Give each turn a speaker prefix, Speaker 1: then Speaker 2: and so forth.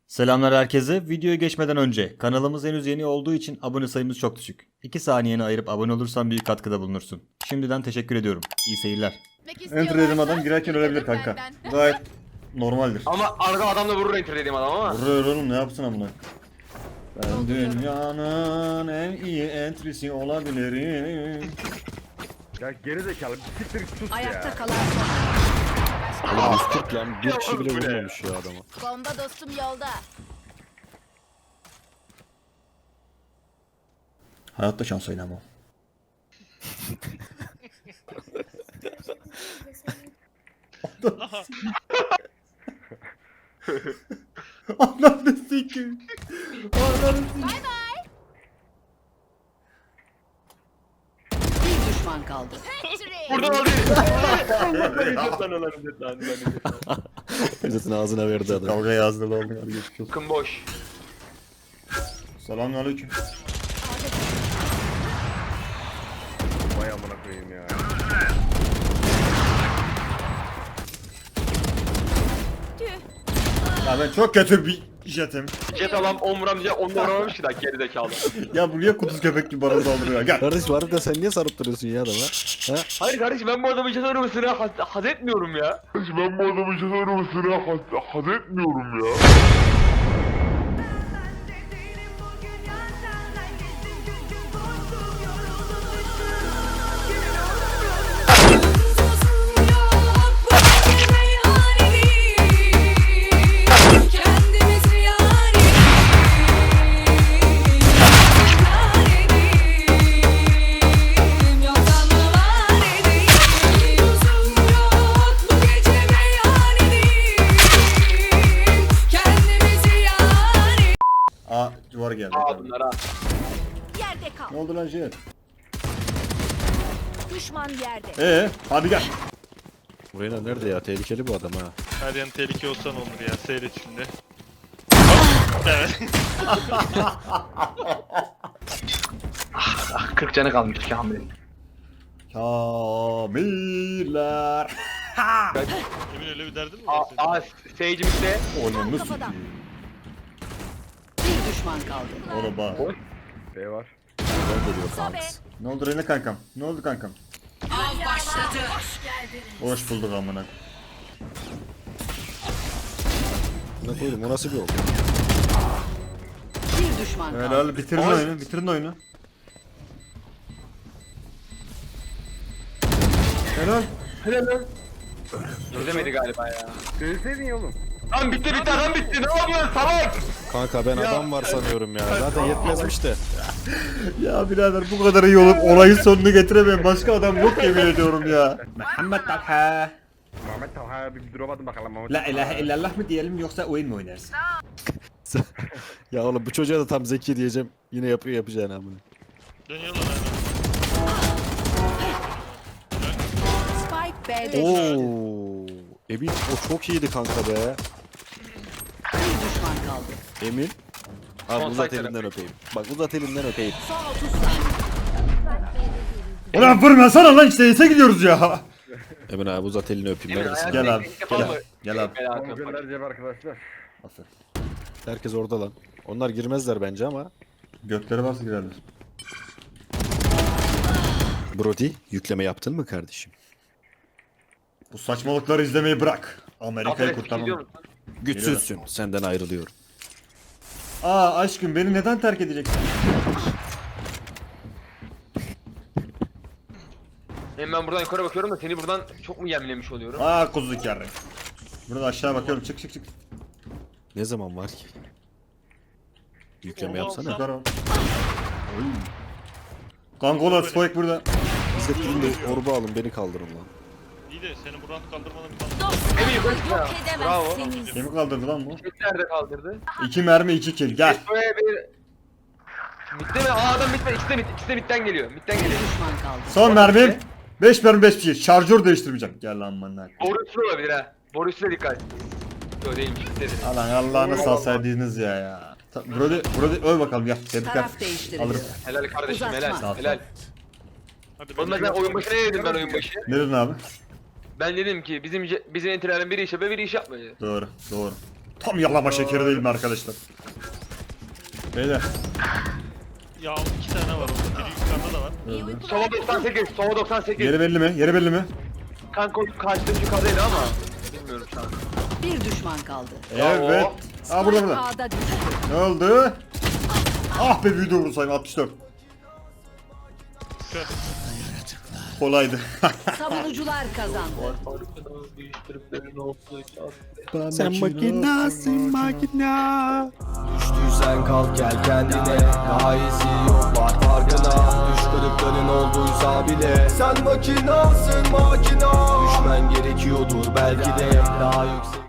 Speaker 1: Selamlar herkese. Videoya geçmeden önce kanalımız henüz yeni olduğu için abone sayımız çok düşük. 2 saniyeni ayırıp abone olursan büyük katkıda bulunursun. Şimdiden teşekkür ediyorum. İyi seyirler. Enter dedim adam girerken ölebilir kanka. Gayet normaldir.
Speaker 2: Ama arada adamla vurur enter dediğim adam ama.
Speaker 1: Vurur oğlum ne yapsın amına. Ben dünyanın en iyi entrisi olabilirim.
Speaker 3: Ya gerizekalı bir siktir sus
Speaker 4: Ayakta
Speaker 3: ya.
Speaker 4: kalan son.
Speaker 5: Oğlum 140 lan bir kişi bile vurmamış ya adama.
Speaker 4: Bomba dostum yolda.
Speaker 1: Hayatta şans oynamam. Ananı sikeyim. Ananı sikeyim.
Speaker 4: Bir düşman kaldı.
Speaker 2: Buradan aldı.
Speaker 5: Özetini ağzına verdi adam.
Speaker 1: Kavga yazdı lan. Hadi geçmiş olsun.
Speaker 2: Bakın boş.
Speaker 1: Selamünaleyküm.
Speaker 3: Vay amına koyayım ya.
Speaker 1: Ya ben çok kötü bir jetim.
Speaker 2: Jet alan 10 vuram diye 10 vuramamış ki daha gerizekalı.
Speaker 1: Ya bu niye kuduz köpek gibi bana saldırıyor? Gel.
Speaker 5: Kardeş var da sen niye sarıp duruyorsun ya adama? Ha?
Speaker 2: Hayır kardeşim ben bu adamın jet oynamasını haz etmiyorum ya.
Speaker 3: Ben bu adamın jet oynamasını haz etmiyorum ya.
Speaker 1: Aa duvar geldi.
Speaker 2: Aa bunlar ha.
Speaker 4: Yerde kal.
Speaker 1: Ne oldu lan jet?
Speaker 4: Düşman yerde.
Speaker 1: Hadi gel.
Speaker 5: Buraya nerede ya? Tehlikeli bu adam ha.
Speaker 6: Her yan tehlike olsan olur ya seyret şimdi. Evet.
Speaker 2: 40 canı kalmış Kamil'in.
Speaker 1: Kamiller.
Speaker 6: Emin öyle bir derdin mi var senin?
Speaker 2: Aa seyircimizde.
Speaker 1: Onu
Speaker 4: Kafadan.
Speaker 1: sikeyim.
Speaker 4: Bir düşman kaldı.
Speaker 1: Ona bak.
Speaker 3: B var.
Speaker 5: Nerede diyor
Speaker 4: Sobe.
Speaker 5: Fanks?
Speaker 1: Ne oldu Rene kankam? Ne oldu kankam?
Speaker 4: Av başladı.
Speaker 1: Hoş bulduk amına.
Speaker 5: Ne koydum o nasıl bir oldu?
Speaker 4: Bir düşman kaldı.
Speaker 1: Helal bitirin oyunu. Bitirin oyunu. Helal.
Speaker 2: Helal lan. Çözemedi galiba ya.
Speaker 3: Söyleseydin ya oğlum.
Speaker 2: Lan bitti adam bitti ne yapıyorsun salak?
Speaker 5: Kanka ben adam var sanıyorum ya. Zaten yetmezmiş de.
Speaker 1: Ya birader bu kadar iyi olup olayın sonunu getiremeyen başka adam yok yemin ediyorum ya. Muhammed Talha.
Speaker 3: Mehmet Talha bir drop atın bakalım Mehmet.
Speaker 1: La ilahe illallah mı diyelim yoksa oyun mu oynarsın?
Speaker 5: Ya oğlum bu çocuğa da tam zeki diyeceğim. Yine yapıyor yapacağını amına.
Speaker 6: Dönüyorlar aynen.
Speaker 4: Spike B'de.
Speaker 5: Oo. Emin o çok iyiydi kanka be.
Speaker 4: Bir düşman kaldı.
Speaker 5: Emin. Abi
Speaker 2: Son
Speaker 5: uzat
Speaker 2: site
Speaker 5: elinden öpeyim. Bak uzat elinden öpeyim.
Speaker 4: Son 30 saniye.
Speaker 1: Ulan vurmasana lan işte ise gidiyoruz ya.
Speaker 5: Emin abi uzat elini öpeyim.
Speaker 2: Emin,
Speaker 5: Neredesin?
Speaker 2: hayatım-
Speaker 1: Gel abi.
Speaker 2: İlk defa
Speaker 1: Gel.
Speaker 2: mı?
Speaker 1: Gel abi.
Speaker 2: Bela
Speaker 3: Onu
Speaker 2: atıyorum.
Speaker 3: göndereceğim arkadaşlar.
Speaker 1: Aferin.
Speaker 5: Herkes orada lan. Onlar girmezler bence ama.
Speaker 1: Gökleri varsa girerler.
Speaker 5: Brody yükleme yaptın mı kardeşim?
Speaker 1: Bu saçmalıkları izlemeyi bırak. Amerika'yı
Speaker 2: Aferin, gidiyor
Speaker 1: kurtarmam.
Speaker 2: musun?
Speaker 5: Güçsüzsün. Senden ayrılıyorum.
Speaker 1: Aa aşkım beni neden terk edeceksin?
Speaker 2: Hem ben buradan yukarı bakıyorum da seni buradan çok mu yemlemiş oluyorum?
Speaker 1: Aa kuzluk yarrı. Burada aşağı bakıyorum çık çık çık.
Speaker 5: Ne zaman var ki? Yükleme
Speaker 6: Onu
Speaker 5: yapsana.
Speaker 6: alsam-
Speaker 1: Yukarı bak. Oy. Kankola Spike burada.
Speaker 5: İzzettirin de orba alın beni kaldırın lan.
Speaker 6: İyi de seni buradan kaldırmadan bir tane.
Speaker 2: Emin yukarı çık ya.
Speaker 4: Yok
Speaker 2: Bravo.
Speaker 4: edemezsiniz.
Speaker 1: Kimi kaldırdı lan bu?
Speaker 2: Jet nerede kaldırdı?
Speaker 1: 2 mermi 2 kill gel.
Speaker 2: Böyle bir... Bitti mi? Aa adam bitti. İkisi de midden geliyor. Midden
Speaker 4: Bir
Speaker 2: geliyor.
Speaker 4: düşman kaldı.
Speaker 1: Son mermim. 5 mermi 5 kill. Şarjör değiştirmeyeceğim. Gel lan bana.
Speaker 2: Borusu olabilir ha. Borusuna dikkat. Yok değilmiş. Dedi.
Speaker 1: Alan Allah'ını salsaydınız ya. Brody öl bakalım gel. Tebrikler.
Speaker 4: Taraf değiştiriliyor.
Speaker 1: Alırım.
Speaker 2: Helal kardeşim
Speaker 4: Uzatma.
Speaker 2: helal. Helal.
Speaker 6: Hadi
Speaker 2: Oğlum ben oyun başı ne dedim ben oyun başı?
Speaker 1: Ne dedin abi?
Speaker 2: Ben dedim ki bizim entilerden biri iş yapıyor biri iş yapmıyor.
Speaker 1: Doğru doğru. Tam yalama şekeri değil mi arkadaşlar? Beyler.
Speaker 6: Ya 2 tane var orada. Biri yukarıda da var.
Speaker 2: Sova 98, Sova 98.
Speaker 1: Yeri belli mi? Yeri belli mi?
Speaker 2: Kanka kaçtım yukarıdaydı ama. Bilmiyorum şu an.
Speaker 4: Bir düşman kaldı.
Speaker 1: Evet. Aa burada burada.
Speaker 4: A'da düştü.
Speaker 1: Ne oldu? Ah be büyüdü vursayım 64.
Speaker 6: Kör.
Speaker 1: Kolaydı.
Speaker 4: Savunucular kazandı.
Speaker 5: Sen makinasın makina.
Speaker 7: Düştüysen kalk gel kendine. Daha iyisi yok var farkına. Düş kırıkların olduysa bile. Sen makinasın makina. Düşmen gerekiyordur belki de. Daha yüksek